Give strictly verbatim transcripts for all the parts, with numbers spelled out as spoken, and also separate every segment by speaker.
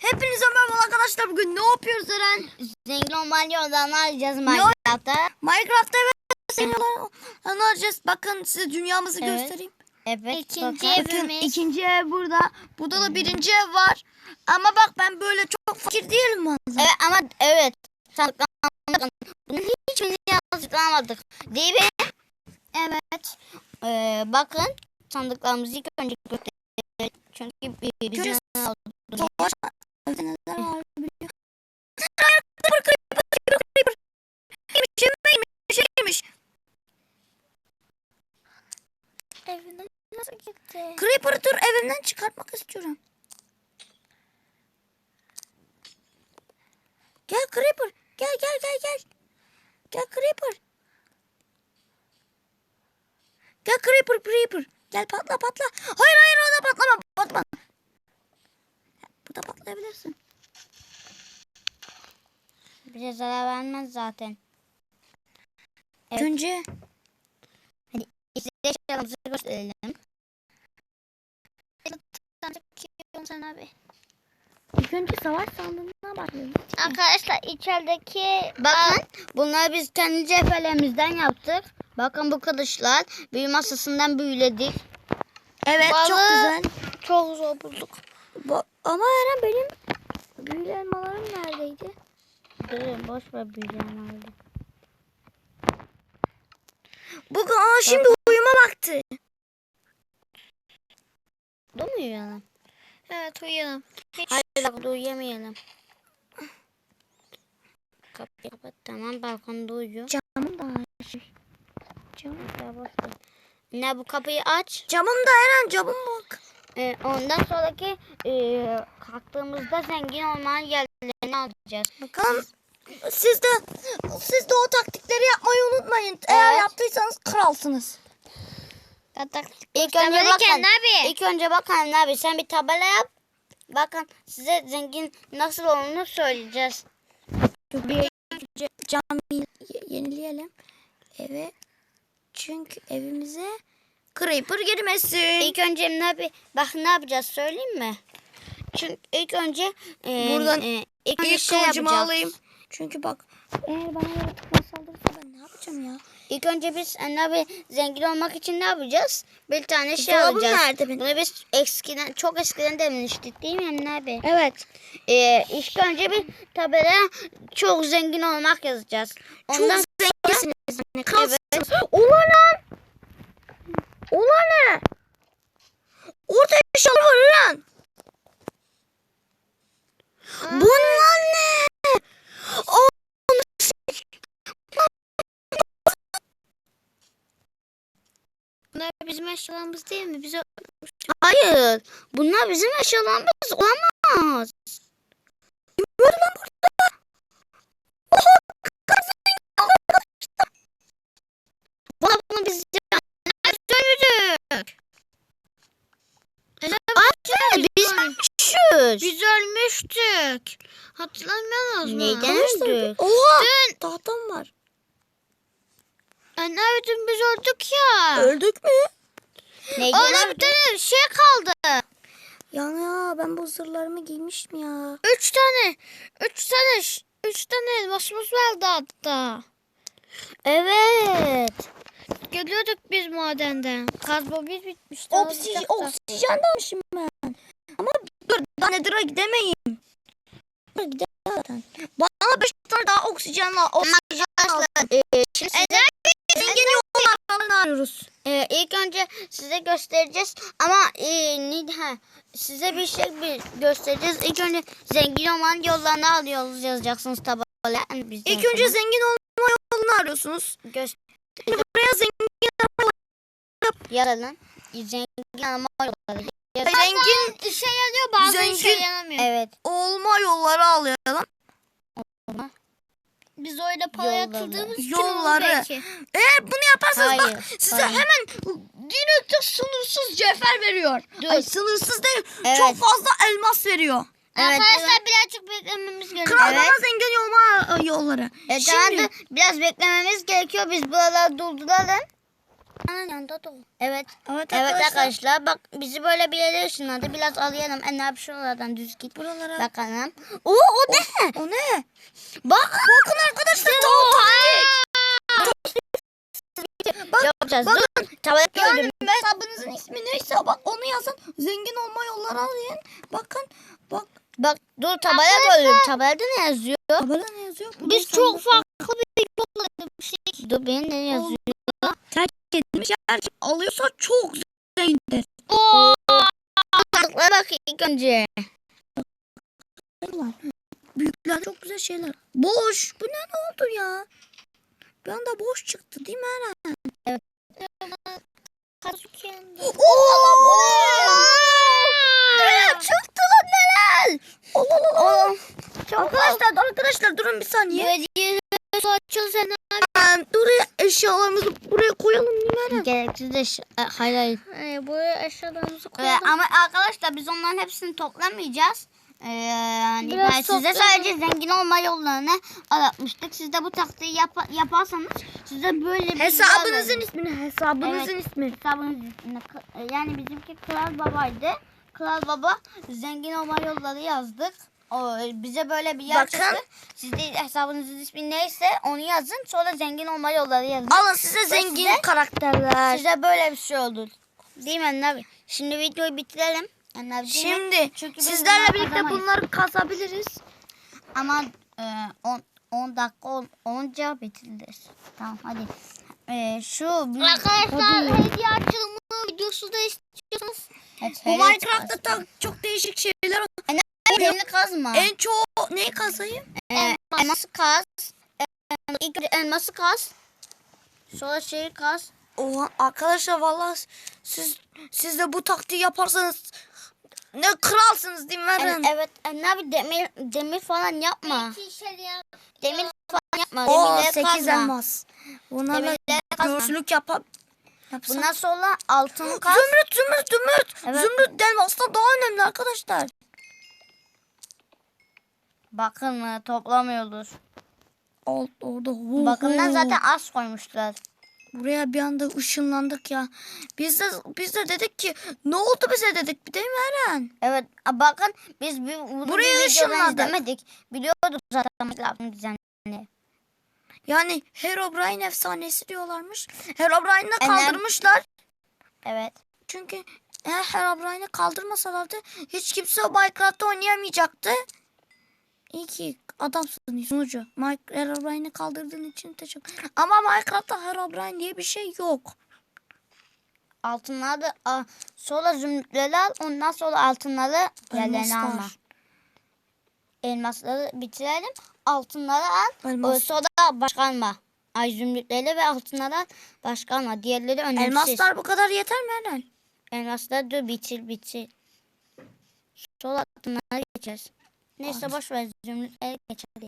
Speaker 1: Hepinize merhaba arkadaşlar. Bugün ne yapıyoruz Eren?
Speaker 2: Zengin olmalı yollarını arayacağız Minecraft'ta.
Speaker 1: Minecraft'ta evet zengin olanı arayacağız. Bakın size dünyamızı
Speaker 2: Evet.
Speaker 1: göstereyim.
Speaker 2: Evet.
Speaker 3: İkinci
Speaker 2: bakın.
Speaker 1: Bakın
Speaker 3: evimiz.
Speaker 1: ikinci ev burada. Burada da birinci ev var. Ama bak ben böyle çok fakir değilim bazen.
Speaker 2: Evet ama evet. Sandıklanmadık. Bunun hiçbirini yazıklamadık. Değil mi?
Speaker 3: Evet.
Speaker 2: Ee, bakın sandıklarımızı ilk önce gösterelim. Çünkü bizim
Speaker 1: Görüyoruz.
Speaker 2: aldık.
Speaker 1: Savaş evde neler var biliyor. Yemiş.
Speaker 3: Evine nasıl gitti?
Speaker 1: Creeper'ı dur evimden çıkartmak istiyorum. Gel Creeper. Gel gel gel gel. Gel Creeper. Gel Creeper Creeper. Gel patla patla. Hayır hayır orada patlama. Patlama. Burada patlayabilirsin.
Speaker 2: Bize zarar vermez zaten. Evet.
Speaker 1: Önce
Speaker 2: Size eşyalarımızı gösterelim.
Speaker 3: Sen abi.
Speaker 1: ilk önce savaş sandığına bakıyoruz.
Speaker 3: Arkadaşlar içerideki
Speaker 2: Bakın bunları biz kendi cevherlerimizden yaptık. Bakın bu kılıçlar büyü masasından büyüledik.
Speaker 1: Evet çok
Speaker 2: Balığı-
Speaker 1: güzel.
Speaker 2: Çok zor bulduk.
Speaker 1: Ba- ama Eren benim büyülü elmalarım neredeydi?
Speaker 2: Durun boş ver büyülerini.
Speaker 1: Bugün aa şimdi uyuma vakti.
Speaker 2: Dur mu uyuyalım?
Speaker 3: evet uyuyalım. Hiç
Speaker 2: Hayır bak uyuyamayalım. Kapıyı kapat. Tamam balkonda uyuyor.
Speaker 1: Camım da açık. Camım.
Speaker 2: Ya boş ver. Ne bu kapıyı aç.
Speaker 1: Camım da Eren camım bak.
Speaker 2: Ee, ondan sonraki e, kalktığımızda zengin olmanın yerlerini alacağız.
Speaker 1: Bakalım siz de siz de o taktikleri yapmayı unutmayın. Eğer
Speaker 2: Evet.
Speaker 1: yaptıysanız kralsınız.
Speaker 2: İlk önce bakın.
Speaker 3: Göstermedin abi.
Speaker 2: İlk önce bakın abi sen bir tabela yap. Bakın size zengin nasıl olduğunu söyleyeceğiz.
Speaker 1: Bir cami yenileyelim. Eve çünkü evimize creeper girmesin.
Speaker 2: İlk önce ne yap bak ne yapacağız söyleyeyim mi? Çünkü ilk önce e,
Speaker 1: Buradan
Speaker 2: e, ilk önce
Speaker 1: İlk
Speaker 2: şey
Speaker 1: kılıcımı
Speaker 2: yapacağız.
Speaker 1: alayım. Çünkü bak eğer bana yaratıklar saldırırsa ben ne yapacağım ya?
Speaker 2: İlk önce biz e, abi zengin olmak için ne yapacağız? Bir tane şey
Speaker 1: Dolabım
Speaker 2: alacağız.
Speaker 1: nerede benim?
Speaker 2: Bunu biz eskiden çok eskiden demiştik değil mi Emine abi?
Speaker 1: Evet.
Speaker 2: Ee, ilk önce bir tabela çok zengin olmak yazacağız. Ondan
Speaker 1: Çok zenginsiniz. Yani, kralsınız.
Speaker 2: Evet.
Speaker 1: Ulan lan. Ulan ne? Orada eşyalar var lan. Bunlar ne? O
Speaker 3: Bunlar bizim eşyalarımız değil mi? Bize
Speaker 2: hayır. Bunlar bizim eşyalarımız olamaz. Bana bunu biz söyledik. Abi biz ölmüşüz.
Speaker 3: biz ölmüştük. Hatırlamıyor musun?
Speaker 2: Neyden öldük?
Speaker 1: Oha. Tahtam var.
Speaker 3: Anne abi dün biz öldük ya.
Speaker 1: Öldük mü?
Speaker 2: Neyden
Speaker 3: Orada bir
Speaker 2: öldük?
Speaker 3: tane şey kaldı.
Speaker 1: Yani ya ben bu zırhlarımı giymiştim ya.
Speaker 3: Üç tane. Üç tane. ş- Üç tane elmasımız vardı hatta.
Speaker 2: Evet.
Speaker 3: Geliyorduk biz madenden. Kazma biz bitmişti.
Speaker 1: Oksijen,
Speaker 3: alacaktı.
Speaker 1: oksijen de almışım ben. Ama dur daha Nether'a gidemeyim. Nether'a gidemem zaten. Bana beş tane daha oksijen al. Oksijen al.
Speaker 2: Ee, şimdi size,
Speaker 1: Zengin yollarını arıyoruz.
Speaker 2: e, ilk önce size göstereceğiz ama e, ne, ha, size bir şey bir göstereceğiz. İlk önce zengin olmanın yollarını alıyoruz yazacaksınız tabela. Biz de
Speaker 1: İlk
Speaker 2: o
Speaker 1: önce
Speaker 2: zaman
Speaker 1: zengin olma yolunu arıyorsunuz.
Speaker 2: göster
Speaker 1: Şimdi buraya zengin
Speaker 2: yazalım. Zengin olma yolları. Yaz-
Speaker 1: zengin
Speaker 3: İşe yarıyor bazen
Speaker 1: Zengin-
Speaker 3: işe yaramıyor.
Speaker 2: Evet.
Speaker 1: olma yolları alayalım.
Speaker 3: Biz öyle para
Speaker 2: Yolları.
Speaker 3: yatırdığımız için
Speaker 1: Yolları.
Speaker 3: olur belki.
Speaker 1: Eğer bunu yaparsanız
Speaker 2: Hayır,
Speaker 1: bak size
Speaker 2: hayır.
Speaker 1: hemen direkte sınırsız cevher veriyor.
Speaker 2: Dur.
Speaker 1: Ay sınırsız değil.
Speaker 2: Evet.
Speaker 1: Çok fazla elmas veriyor.
Speaker 2: Evet,
Speaker 3: Arkadaşlar birazcık beklememiz gerekiyor.
Speaker 1: Kral
Speaker 2: Evet.
Speaker 1: bana zengin olma e, yolları.
Speaker 2: E,
Speaker 1: Şimdi
Speaker 2: tamam da biraz beklememiz gerekiyor. Biz buraları durduralım. Ananın yanında da o. Evet.
Speaker 1: Evet,
Speaker 2: Evet
Speaker 1: arkadaşlar.
Speaker 2: arkadaşlar bak bizi böyle bir yere ışınladı. Biraz alayalım. En abi şuralardan düz git.
Speaker 1: Buralara.
Speaker 2: Bakalım. Oo o ne?
Speaker 1: O ne?
Speaker 2: Bak.
Speaker 1: Bakın arkadaşlar tavuk
Speaker 2: Yapacağız.
Speaker 1: bakın.
Speaker 2: Dur. Tablet
Speaker 1: Yani
Speaker 2: gördüm.
Speaker 1: hesabınızın ismi neyse bak onu yazın. Zengin olma yolları arayın. Bakın bak.
Speaker 2: Bak dur tabela gördüm. Tabelada ne yazıyor?
Speaker 1: Tabela ne yazıyor? Bu
Speaker 3: Biz
Speaker 1: da
Speaker 3: çok
Speaker 1: sandık.
Speaker 3: farklı bir yol edinmiştik.
Speaker 2: Dur benim ne yazıyor?
Speaker 1: Terk edilmiş yer alıyorsa çok zengindir.
Speaker 3: Oo.
Speaker 2: Sandıklara bak ilk önce.
Speaker 1: Büyükler çok güzel şeyler. Boş. Bu ne ne oldu ya? Bir anda boş çıktı değil mi Eren?
Speaker 3: Kazuken.
Speaker 1: Oo!
Speaker 2: Neler çıktı lan neler?
Speaker 1: Allah Allah Allah.
Speaker 2: Çok
Speaker 1: Arkadaşlar arkadaşlar durun bir saniye.
Speaker 3: Belediye açıl sen.
Speaker 1: Ee, Buraya eşyalarımızı buraya koyalım değil mi Eren?
Speaker 2: Gereksiz de ş- e, hayır hayır.
Speaker 3: Ee, buraya eşyalarımızı
Speaker 2: Ee,
Speaker 3: koyalım.
Speaker 2: ama arkadaşlar biz onların hepsini toplamayacağız. Ee, yani
Speaker 3: Biraz
Speaker 2: ben size
Speaker 3: toplayalım.
Speaker 2: sadece zengin olma yollarını anlatmıştık. Siz de bu taktiği yap yaparsanız size böyle bir
Speaker 1: Hesabınızın ismini, hesabınızın
Speaker 2: Evet.
Speaker 1: ismi.
Speaker 2: hesabınız ismini k- yani bizimki Kral Baba'ydı. Kral Baba zengin olma yolları yazdık. O, bize böyle bir yer
Speaker 1: Bakın.
Speaker 2: çıktı. Siz de hesabınızın ismi neyse onu yazın. Sonra zengin olma yolları yazın.
Speaker 1: Alın size zengin
Speaker 2: size-
Speaker 1: karakterler.
Speaker 2: Size böyle bir şey oldu. Değil mi Anne abi? Şimdi videoyu bitirelim. Anne abi, değil mi?
Speaker 1: Şimdi
Speaker 2: Çünkü biz
Speaker 1: sizlerle
Speaker 2: bunları
Speaker 1: birlikte
Speaker 2: kazamayız.
Speaker 1: bunları kazabiliriz.
Speaker 2: Ama on on dakika ol, olunca bitiririz. Tamam hadi. E, şu büyük-
Speaker 3: Arkadaşlar
Speaker 2: hadi.
Speaker 3: hediye açılımı videosu da istiyorsanız.
Speaker 2: Evet,
Speaker 1: Bu
Speaker 2: hele
Speaker 1: Minecraft'ta
Speaker 2: çıkarsın.
Speaker 1: da çok değişik şeyler var.
Speaker 2: Demir kazma.
Speaker 1: En çoğu neyi kazayım?
Speaker 2: E, elması kaz. E, ilk önce elması kaz. Sonra şeyi kaz.
Speaker 1: Oha arkadaşlar vallahi siz siz de bu taktiği yaparsanız ne kralsınız değil mi
Speaker 2: E,
Speaker 1: Eren?
Speaker 2: evet Anne abi demir demir falan yapma. Demir falan yapma.
Speaker 1: O
Speaker 2: Demirleri
Speaker 1: sekiz
Speaker 2: kazma.
Speaker 1: elmas. Bunlarla
Speaker 2: Demirleri kazma.
Speaker 1: göğüslük yapar. Yapsam.
Speaker 2: Bundan sonra altın kaz.
Speaker 1: Zümrüt zümrüt zümrüt.
Speaker 2: Evet.
Speaker 1: Zümrüt elmastan daha önemli arkadaşlar.
Speaker 2: Bakın e, toplamıyordur.
Speaker 1: Alt orada. Oho.
Speaker 2: Bakımdan zaten az koymuşlar.
Speaker 1: Buraya bir anda ışınlandık ya. Biz de biz de dedik ki ne oldu bize dedik değil mi Eren?
Speaker 2: Evet a, bakın biz bir, bunu
Speaker 1: Buraya
Speaker 2: bir videodan
Speaker 1: ışınladık.
Speaker 2: izlemedik. Biliyorduk zaten Minecraft'ın düzenini.
Speaker 1: Yani Herobrine efsanesi diyorlarmış. Herobrine'i
Speaker 2: Evet.
Speaker 1: kaldırmışlar.
Speaker 2: Evet.
Speaker 1: Çünkü eğer Herobrine'i kaldırmasalardı hiç kimse o Minecraft'ta oynayamayacaktı. İyi ki adamsın sunucu. Mike- Herobrine'i kaldırdığın için teşekkür. Ama Minecraft'ta Herobrine diye bir şey yok.
Speaker 2: Altınları da a, sonra zümrütleri al ondan sonra altınları yerlerine
Speaker 1: Elmaslar.
Speaker 2: alma. Elmasları bitirelim. Altınları al.
Speaker 1: Elmas.
Speaker 2: o Sonra başka alma. Ay zümrütleri ve altınları al. Başka alma. Diğerleri önemsiz.
Speaker 1: Elmaslar bu kadar yeter mi Eren?
Speaker 2: Elmasları dur bitir bitir. Sonra altınları geçeceğiz. Neyse boş ver zümrütleri geçelim.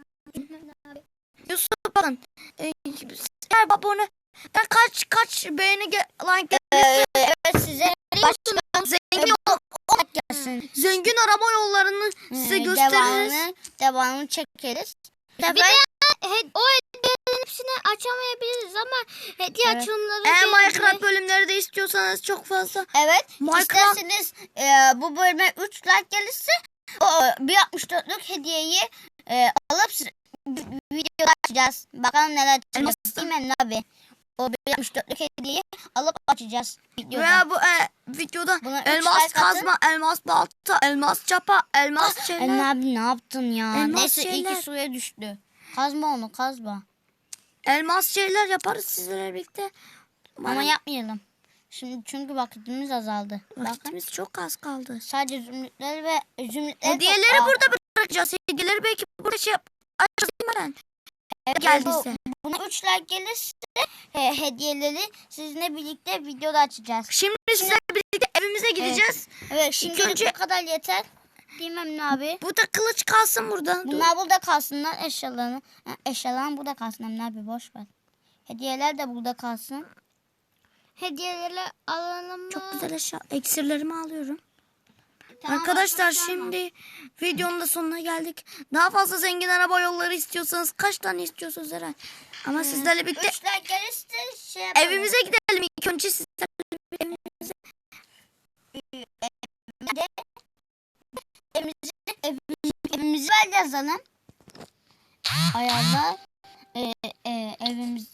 Speaker 1: Yusuf bakın. E, eğer babonu ben kaç kaç beğeni ge like
Speaker 2: Ee, evet size başka
Speaker 1: zengin ol-
Speaker 2: olarak gelsin.
Speaker 1: zengin araba yollarını size
Speaker 2: Ee,
Speaker 1: gösteririz.
Speaker 2: Devamını, devamını çekeriz.
Speaker 3: Bir de he- o hediyelerin hepsini açamayabiliriz ama hediye
Speaker 2: Evet.
Speaker 3: açılımları
Speaker 1: Eğer
Speaker 3: gelecek.
Speaker 1: Minecraft bölümleri de istiyorsanız çok fazla.
Speaker 2: Evet.
Speaker 1: Minecraft-
Speaker 2: İsterseniz e, bu bölüme üç like gelirse o bir altmış dörtlük hediyeyi e, alıp size video açacağız. Bakalım neler çıkacak. Değil mi Emre abi? O bir altmış dörtlük hediyeyi alıp açacağız videoda.
Speaker 1: Veya bu e, videoda
Speaker 2: Buna üç
Speaker 1: elmas
Speaker 2: like atın.
Speaker 1: kazma, elmas balta, elmas çapa, elmas
Speaker 2: Emre
Speaker 1: şeyler.
Speaker 2: abi ne yaptın ya?
Speaker 1: Elmas
Speaker 2: Neyse iyi
Speaker 1: şeyler.
Speaker 2: ki suya düştü. Kazma onu kazma.
Speaker 1: Elmas şeyler yaparız sizlerle birlikte.
Speaker 2: Ama yapmayalım. Şimdi çünkü vaktimiz azaldı. Bakın
Speaker 1: Vaktimiz çok az kaldı.
Speaker 2: sadece zümrütleri ve zümrütleri
Speaker 1: Hediyeleri
Speaker 2: topla.
Speaker 1: burada bırakacağız. Hediyeleri belki burada şey yap. Açacağız değil mi Eren?
Speaker 2: Evet,
Speaker 1: Geldiyse.
Speaker 2: bu- Buna üç like gelirse e, hediyeleri sizinle birlikte videoda açacağız.
Speaker 1: Şimdi sizlerle birlikte evimize gideceğiz.
Speaker 2: Evet şimdi
Speaker 1: önce-
Speaker 2: bu kadar yeter. Bilmem ne abi.
Speaker 1: Bu da kılıç kalsın burada. Dur.
Speaker 2: Bunlar burada kalsınlar eşyalarını. Ha, eşyaların burada kalsın Emre abi boş ver. Hediyeler de burada kalsın.
Speaker 3: Hediyeleri alalım mı?
Speaker 1: Çok güzel eşya. Eksirlerimi alıyorum.
Speaker 2: Tamam,
Speaker 1: Arkadaşlar
Speaker 2: başka
Speaker 1: şimdi videonun da sonuna geldik. Daha fazla zengin araba yolları istiyorsanız kaç tane istiyorsunuz Eren? Ama sizlerle birlikte
Speaker 2: Üç like gelirse şey yapalım.
Speaker 1: evimize gidelim İlk önce sizler evimize
Speaker 2: Evimizi, evimizi, evimizi ver yazalım. Ayarlar. Ee, e, evimiz.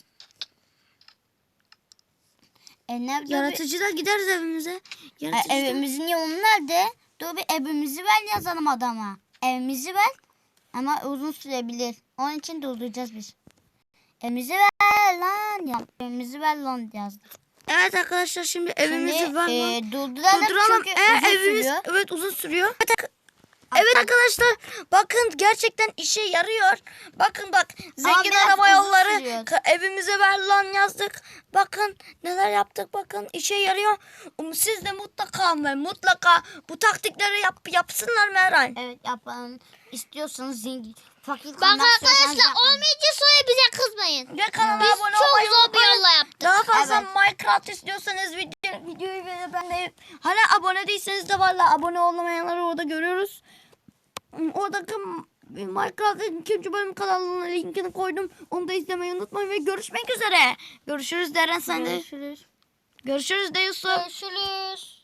Speaker 2: E, nerede bir-
Speaker 1: yaratıcıda gideriz evimize.
Speaker 2: E,
Speaker 1: Yaratıcıda.
Speaker 2: evimizin yolu nerede? Dur bir evimizi ver yazalım adama. Evimizi ver. Ama uzun sürebilir. Onun için durduracağız biz. Evimizi ver lan. Ya, evimizi ver lan yazdık.
Speaker 1: Evet arkadaşlar şimdi evimizi
Speaker 2: Şimdi
Speaker 1: var.
Speaker 2: e, durduralım,
Speaker 1: Durduralım.
Speaker 2: çünkü
Speaker 1: Ee,
Speaker 2: uzun
Speaker 1: evimiz
Speaker 2: sürüyor.
Speaker 1: evet uzun sürüyor. Evet arkadaşlar bakın gerçekten işe yarıyor. Bakın bak zengin
Speaker 2: biraz
Speaker 1: araba
Speaker 2: uzun
Speaker 1: yolları
Speaker 2: sürüyor.
Speaker 1: ka- evimize ver lan yazdık. Bakın neler yaptık bakın işe yarıyor. Um, Siz de mutlaka ve mutlaka bu taktikleri yap, yapsınlar Meral.
Speaker 2: Evet yapalım. İstiyorsanız zengin. Fakir
Speaker 3: Bak
Speaker 2: kalmak istiyorsanız
Speaker 3: arkadaşlar
Speaker 2: yapmayın.
Speaker 3: olmayınca sonra bize kızmayın.
Speaker 1: Ve kanala
Speaker 3: Biz
Speaker 1: abone
Speaker 3: çok
Speaker 1: olmayı
Speaker 3: zor bir
Speaker 1: unutmayın.
Speaker 3: yolla yaptık.
Speaker 1: Daha fazla
Speaker 2: Evet.
Speaker 1: Minecraft istiyorsanız video, videoyu ve ben de hani abone değilseniz de valla abone olmayanları orada görüyoruz. Oradaki Minecraft'ın ikinci bölüm kanalının linkini koydum. Onu da izlemeyi unutmayın ve görüşmek üzere. Görüşürüz Deren sen de.
Speaker 2: Görüşürüz.
Speaker 1: Görüşürüz de Yusuf.
Speaker 3: Görüşürüz.